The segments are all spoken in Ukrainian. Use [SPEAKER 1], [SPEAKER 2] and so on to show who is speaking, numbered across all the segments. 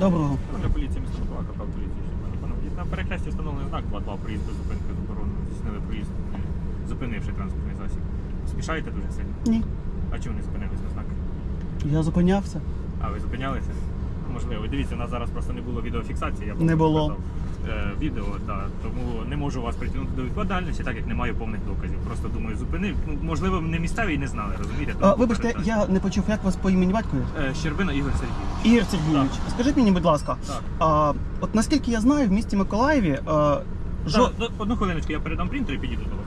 [SPEAKER 1] Доброго.
[SPEAKER 2] Для поліції міста Миколаїв, капрал поліції. На перехресті встановлений знак 2.2 проїзд без зупинки заборонено. Здійснили проїзд, не зупинивши транспортний засіб. Спішаєте дуже сильно?
[SPEAKER 1] Ні.
[SPEAKER 2] А чому не зупинились на знак?
[SPEAKER 1] Я зупинявся.
[SPEAKER 2] А, ви зупинялися? Можливо. Дивіться, у нас зараз просто не було відеофіксації. Я
[SPEAKER 1] Не було.
[SPEAKER 2] показав, відео, тому не можу вас притягнути до відповідальності, так як не маю повних доказів. Просто думаю, зупинив. Ну, можливо, не місцеві і не знали, розумієте?
[SPEAKER 1] Вибачте, я не почув, як вас по імені батькові?
[SPEAKER 2] Щербина Ігор Сергійович.
[SPEAKER 1] Ігор Сергійович, скажіть мені, будь ласка,
[SPEAKER 2] Так.
[SPEAKER 1] от наскільки я знаю, в місті Миколаєві
[SPEAKER 2] Одну хвилиночку, я передам принтер і підійду до вас.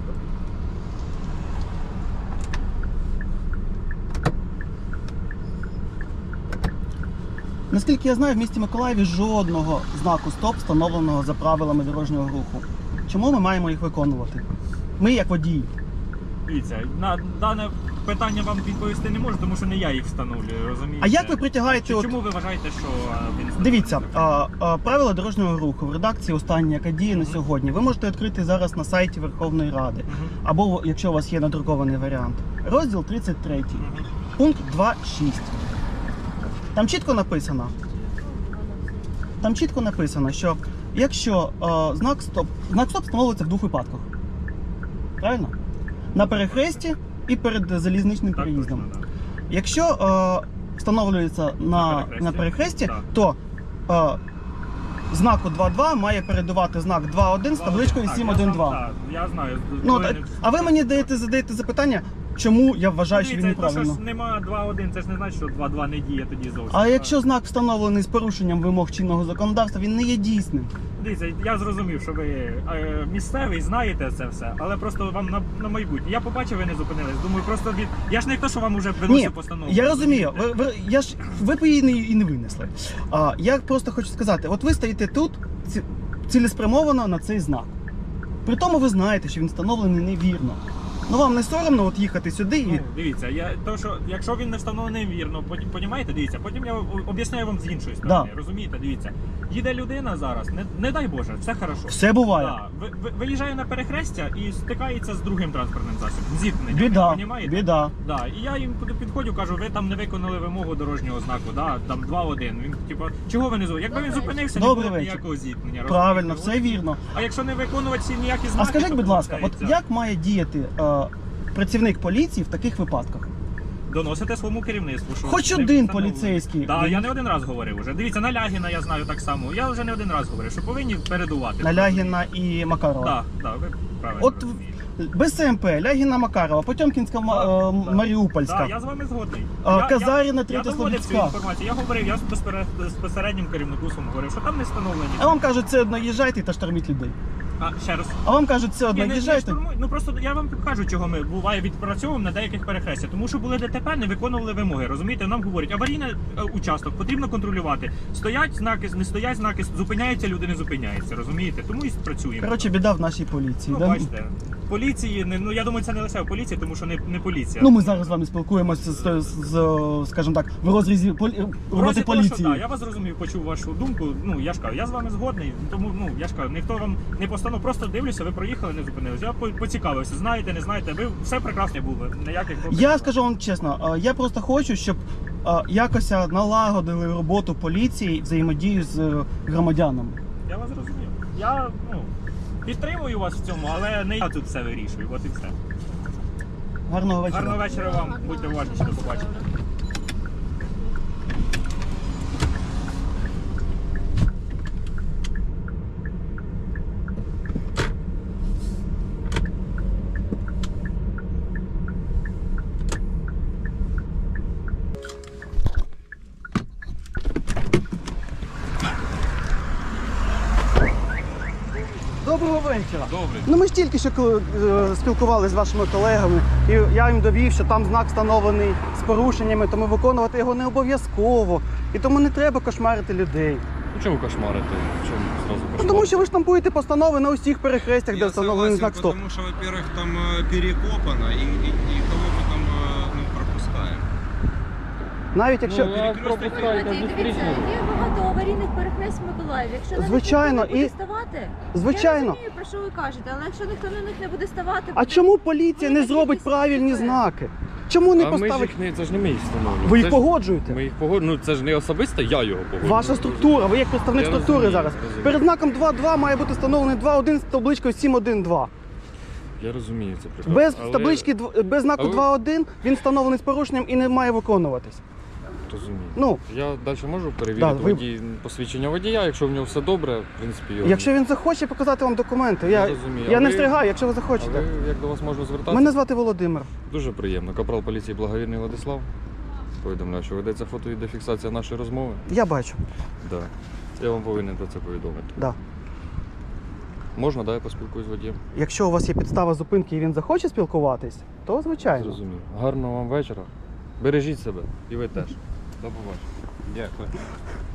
[SPEAKER 1] наскільки я знаю, в місті Миколаєві жодного знаку «Стоп» встановленого за правилами дорожнього руху. Чому ми маємо їх виконувати? Ми як водії.
[SPEAKER 2] Дивіться, на дане питання вам відповісти не можу, тому що не я їх встановлюю, розумієте?
[SPEAKER 1] А як ви притягаєте...
[SPEAKER 2] Чому ви вважаєте, що він встановлений?
[SPEAKER 1] Дивіться, правила дорожнього руху в редакції останні, яка діє на сьогодні, ви можете відкрити зараз на сайті Верховної Ради. Або, якщо у вас є надрукований варіант. Розділ 33, пункт 2.6. Там чітко написано, що якщо знак «Стоп» встановлюється в двох випадках. Правильно? На перехресті і перед залізничним переїздом.
[SPEAKER 2] Так.
[SPEAKER 1] Якщо встановлюється на перехресті,
[SPEAKER 2] так,
[SPEAKER 1] то знаку 2.2 має передувати знак 2.1 з табличкою 7.1.2.
[SPEAKER 2] Так, я знаю.
[SPEAKER 1] А ви мені задаєте запитання, чому я вважаю, що він неправильно.
[SPEAKER 2] Що ж нема 2.1, це ж не значить, що 2.2 не діє тоді зовсім.
[SPEAKER 1] А якщо знак встановлений з порушенням вимог чинного законодавства, він не є дійсним.
[SPEAKER 2] Дивіться, я зрозумів, що ви місцевий, знаєте це все, але просто вам на майбутнє. Я побачив, ви не зупинились. Думаю, просто я ж не хто, що вам вже виносив постанову.
[SPEAKER 1] Я розумію, ви б її і не винесли. Я просто хочу сказати, от ви стоїте тут цілеспрямовано на цей знак. При тому ви знаєте, що він встановлений невірно. Ну вам не соромно от їхати сюди і...
[SPEAKER 2] Ну, дивіться, якщо він не встановлений вірно, понімаєте, дивіться, потім я об'ясняю вам з іншої сторони, розумієте, дивіться. Їде людина зараз, не дай Боже, все хорошо.
[SPEAKER 1] Все буває.
[SPEAKER 2] Виїжджає на перехрестя і стикається з другим транспортним засобом, зіткненням,
[SPEAKER 1] Біда,
[SPEAKER 2] понімаєте?
[SPEAKER 1] біда.
[SPEAKER 2] Да, і я їм підходжу, кажу, ви там не виконали вимогу дорожнього знаку, там 2.1. Він, типу, чого ви не зупинилися? Якби він зупинився, не було б ніякого зіткнення.
[SPEAKER 1] Правильно, все вірно.
[SPEAKER 2] А якщо не виконувати всі ніякі знаки,
[SPEAKER 1] А скажіть, будь ласка,
[SPEAKER 2] виходить,
[SPEAKER 1] от як має діяти працівник поліції в таких випадках?
[SPEAKER 2] Доносите своєму керівництву, що
[SPEAKER 1] Хоч
[SPEAKER 2] не
[SPEAKER 1] один
[SPEAKER 2] встановлено.
[SPEAKER 1] поліцейський.
[SPEAKER 2] Так, я не один раз говорив уже. Дивіться, на Лягіна я знаю так само. Я вже не один раз говорив, що повинні передувати.
[SPEAKER 1] На Лягіна і Макарова.
[SPEAKER 2] Так, ви правильно
[SPEAKER 1] От
[SPEAKER 2] розумієте.
[SPEAKER 1] без ЦМП, Лягіна Макарова, Потьомкінська Маріупольська.
[SPEAKER 2] Так, я з вами згодний.
[SPEAKER 1] Казаріна, Третя
[SPEAKER 2] Я доводив цю
[SPEAKER 1] Слобідська.
[SPEAKER 2] інформацію. Я говорив, я безпосереднім керівнику своєму говорив, що там не встановлені.
[SPEAKER 1] А вам кажуть, це одно їжджайте та шторміть людей.
[SPEAKER 2] Ще раз.
[SPEAKER 1] А вам кажуть, це одно
[SPEAKER 2] Не
[SPEAKER 1] їжджайте.
[SPEAKER 2] штурмують. Ну просто я вам кажу, чого ми буває відпрацьовуємо на деяких перехрестях. Тому що були ДТП, не виконували вимоги. Розумієте, нам говорять, аварійний участок потрібно контролювати. Стоять знаки, не стоять знаки, зупиняються люди, не зупиняються. Розумієте? Тому і працюємо.
[SPEAKER 1] Коротше, біда в нашій поліції.
[SPEAKER 2] Ну, бачите, поліції, ну я думаю, це не лише в поліції, тому що не поліція.
[SPEAKER 1] Ну ми зараз з вами спілкуємося скажімо так, в розрізі роботи поліції.
[SPEAKER 2] Так, я вас зрозумів, почув вашу думку. Ну я ж кажу, я з вами згодний, тому я ж кажу, ніхто вам не постанов, просто дивлюся, ви проїхали, не зупинились. Я поцікавився, знаєте, не знаєте, ви все прекрасно було, ніяких проблем.
[SPEAKER 1] Я скажу вам чесно, я просто хочу, щоб якось налагодили роботу поліції, взаємодію з громадянами.
[SPEAKER 2] Я вас зрозумів. Я підтримую вас в цьому, але не я тут все вирішую. От і все.
[SPEAKER 1] Гарного вечора.
[SPEAKER 2] Гарного вечора вам. Будьте уважніші, до побачення.
[SPEAKER 1] Доброго вечора.
[SPEAKER 3] Добре.
[SPEAKER 1] Ну ми ж тільки що спілкувалися з вашими колегами, і я їм довів, що там знак встановлений з порушеннями, тому виконувати його не обов'язково. І тому не треба кошмарити людей.
[SPEAKER 3] Ну чого кошмарити? Чому зразу
[SPEAKER 1] Ну,
[SPEAKER 3] кошмарити?
[SPEAKER 1] тому що ви штампуєте постанови на усіх перехрестях, де
[SPEAKER 4] Я
[SPEAKER 1] встановлений
[SPEAKER 4] согласен,
[SPEAKER 1] знак «Стоп».
[SPEAKER 4] потому что, во-первых, там перекопано, и кого мы там пропускаем.
[SPEAKER 1] Навіть якщо...
[SPEAKER 3] Ну, вас пропускають на
[SPEAKER 5] Дивіться,
[SPEAKER 3] зустрічну.
[SPEAKER 5] є багато аварійних перехрест в Миколаєві. Якщо на них
[SPEAKER 1] Звичайно,
[SPEAKER 5] ніхто не буде
[SPEAKER 1] і-
[SPEAKER 5] ставати,
[SPEAKER 1] Звичайно.
[SPEAKER 5] я розумію, про що ви кажете, але якщо ніхто на них не буде ставати...
[SPEAKER 1] А
[SPEAKER 5] буде-
[SPEAKER 1] чому поліція не
[SPEAKER 5] буде
[SPEAKER 1] зробить
[SPEAKER 5] кількість
[SPEAKER 1] правильні
[SPEAKER 5] ДТП.
[SPEAKER 1] знаки? Чому не
[SPEAKER 3] А ми ж
[SPEAKER 1] поставити?
[SPEAKER 3] їх не, це ж не ми їх встановлюємо.
[SPEAKER 1] Ви їх
[SPEAKER 3] Це ж-
[SPEAKER 1] погоджуєте?
[SPEAKER 3] Ми їх погоджуємо, ну це ж не особисто я його погоджую.
[SPEAKER 1] Ваша структура, ви як представник
[SPEAKER 3] Я
[SPEAKER 1] структури
[SPEAKER 3] розумію,
[SPEAKER 1] зараз.
[SPEAKER 3] розумію.
[SPEAKER 1] Перед знаком 2.2 має бути встановлений 2.1 з табличкою 7.1.2.
[SPEAKER 3] Я розумію це прекрасно.
[SPEAKER 1] Без
[SPEAKER 3] але-
[SPEAKER 1] таблички, без знаку
[SPEAKER 3] Але-
[SPEAKER 1] 2.1 він встановлений з порушенням і не має виконуватись.
[SPEAKER 3] Розумію.
[SPEAKER 1] Ну,
[SPEAKER 3] Я далі можу перевірити
[SPEAKER 1] Да, ви-
[SPEAKER 3] посвідчення водія, якщо в нього все добре, в принципі, його...
[SPEAKER 1] якщо він захоче показати вам документи,
[SPEAKER 3] Я
[SPEAKER 1] я
[SPEAKER 3] розумію.
[SPEAKER 1] не
[SPEAKER 3] А ви-
[SPEAKER 1] встрягаю, якщо ви
[SPEAKER 3] А
[SPEAKER 1] захочете.
[SPEAKER 3] ви, як до вас можна звертатися?
[SPEAKER 1] Мене звати Володимир.
[SPEAKER 3] Дуже приємно. Капрал поліції Благовірний Владислав. Повідомляю, що ведеться фото і фіксація нашої розмови.
[SPEAKER 1] Я бачу.
[SPEAKER 3] Да. Я вам повинен про це повідомити.
[SPEAKER 1] Да.
[SPEAKER 3] Можна, да, я поспілкуюсь з водієм?
[SPEAKER 1] Якщо у вас є підстава зупинки і він захоче спілкуватись, то звичайно.
[SPEAKER 3] Зрозумів. Гарного вам вечора. Бережіть себе. І ви теж. До побачення.
[SPEAKER 4] Дякую.